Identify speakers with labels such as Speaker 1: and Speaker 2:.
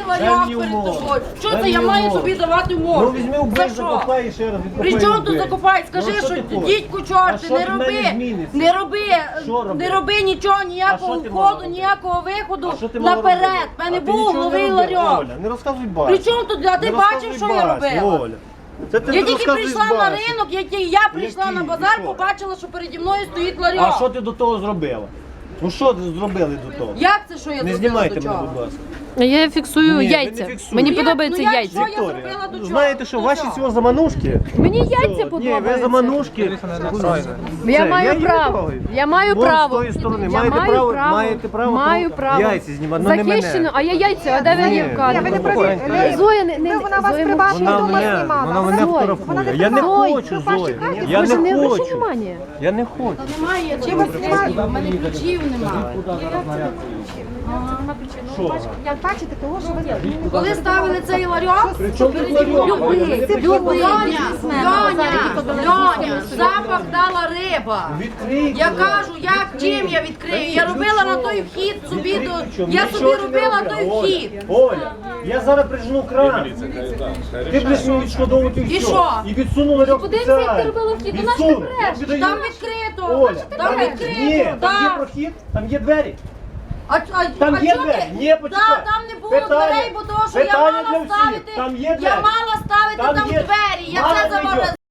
Speaker 1: ларьок перед тобою. Що це я маю собі давати умови?
Speaker 2: Ну візьми убий, закопай і ще раз відкопай.
Speaker 1: При чому тут закопай? Скажи, що дідьку чорти, не роби, не роби нічого, ніякого входу, ніякого виходу наперед. В мене був новий ларьок.
Speaker 2: Не розказуй бачу.
Speaker 1: При чому тут? А ти бачив, що я робила? Я тільки прийшла на ринок, я прийшла на базар, побачила, що переді мною стоїть ларьок.
Speaker 2: А що ти до того зробила? Ну що зробили до того?
Speaker 1: Як це, що я
Speaker 2: Не
Speaker 1: зробила
Speaker 2: знімайте
Speaker 1: до
Speaker 2: мене,
Speaker 1: чого?
Speaker 2: будь ласка.
Speaker 3: Я фіксую
Speaker 2: Ні, ви не
Speaker 3: яйця.
Speaker 2: фіксуєте.
Speaker 3: Мені
Speaker 1: Ну,
Speaker 3: подобаються
Speaker 1: як,
Speaker 3: яйця.
Speaker 1: що я зробила до чого?
Speaker 2: Знаєте, що
Speaker 1: До
Speaker 2: ваші
Speaker 1: чого?
Speaker 2: цього заманушки?
Speaker 3: Мені яйця
Speaker 2: Ні, ви
Speaker 3: подобаються.
Speaker 2: заманушки.
Speaker 3: Я
Speaker 2: Це,
Speaker 3: маю
Speaker 2: її не
Speaker 3: право.
Speaker 2: трогаю.
Speaker 3: Я маю
Speaker 2: Вон
Speaker 3: право.
Speaker 2: з тої сторони.
Speaker 3: Я
Speaker 2: Маєте
Speaker 3: маю
Speaker 2: право,
Speaker 3: право.
Speaker 2: маєте право
Speaker 3: Маю право.
Speaker 2: яйця знімати, ну не мене.
Speaker 3: Захищено. А я яйця, а де ви
Speaker 2: Ні.
Speaker 3: Євка?
Speaker 2: Ні, ви не праві.
Speaker 3: Зоя, не
Speaker 4: Вона вас
Speaker 3: Зоя,
Speaker 4: приватно
Speaker 2: Вона
Speaker 4: вдома
Speaker 2: мене,
Speaker 4: знімала.
Speaker 2: вона мене
Speaker 3: Зоя,
Speaker 2: фотографує. Я не
Speaker 3: Зоя,
Speaker 2: хочу, Зоя. Я
Speaker 3: Боже, не
Speaker 2: не
Speaker 3: обращай
Speaker 2: хочу.
Speaker 3: внимання.
Speaker 2: Я не хочу.
Speaker 1: Немає, чи вас немає? В мене ключів немає.
Speaker 4: Як бачите, того, що ви
Speaker 1: Коли ставили цей ларьок, Льоня, запах дала риба. Я кажу, чим я відкрию? Я робила на той вхід собі, я собі робила той вхід.
Speaker 2: Оля, я зараз прижну кран. Ти будеш мені відшкодовувати
Speaker 1: І
Speaker 2: все.
Speaker 1: що?
Speaker 2: І відсуну ларьок
Speaker 3: Подивися, як ти
Speaker 2: спеціально.
Speaker 3: робила вхід. Ну, наш ти
Speaker 2: Відсуну.
Speaker 3: бреш.
Speaker 2: Я віддаю.
Speaker 1: Там відкрито,
Speaker 2: Оля,
Speaker 1: там
Speaker 2: ні,
Speaker 1: відкрито.
Speaker 2: там є
Speaker 1: так.
Speaker 2: прохід, там є двері. Там
Speaker 1: А
Speaker 2: є
Speaker 1: чого
Speaker 2: двері?
Speaker 1: ти?
Speaker 2: Ні, почекай.
Speaker 1: Там не було
Speaker 2: Питання-
Speaker 1: дверей, бо того, що я
Speaker 2: питання
Speaker 1: мала
Speaker 2: для всіх.
Speaker 1: ставити.
Speaker 2: Там є
Speaker 1: Я
Speaker 2: двері.
Speaker 1: мала ставити
Speaker 2: Там
Speaker 1: там
Speaker 2: є-
Speaker 1: двері. Я
Speaker 2: Мало
Speaker 1: це
Speaker 2: не йде.
Speaker 1: заморозила.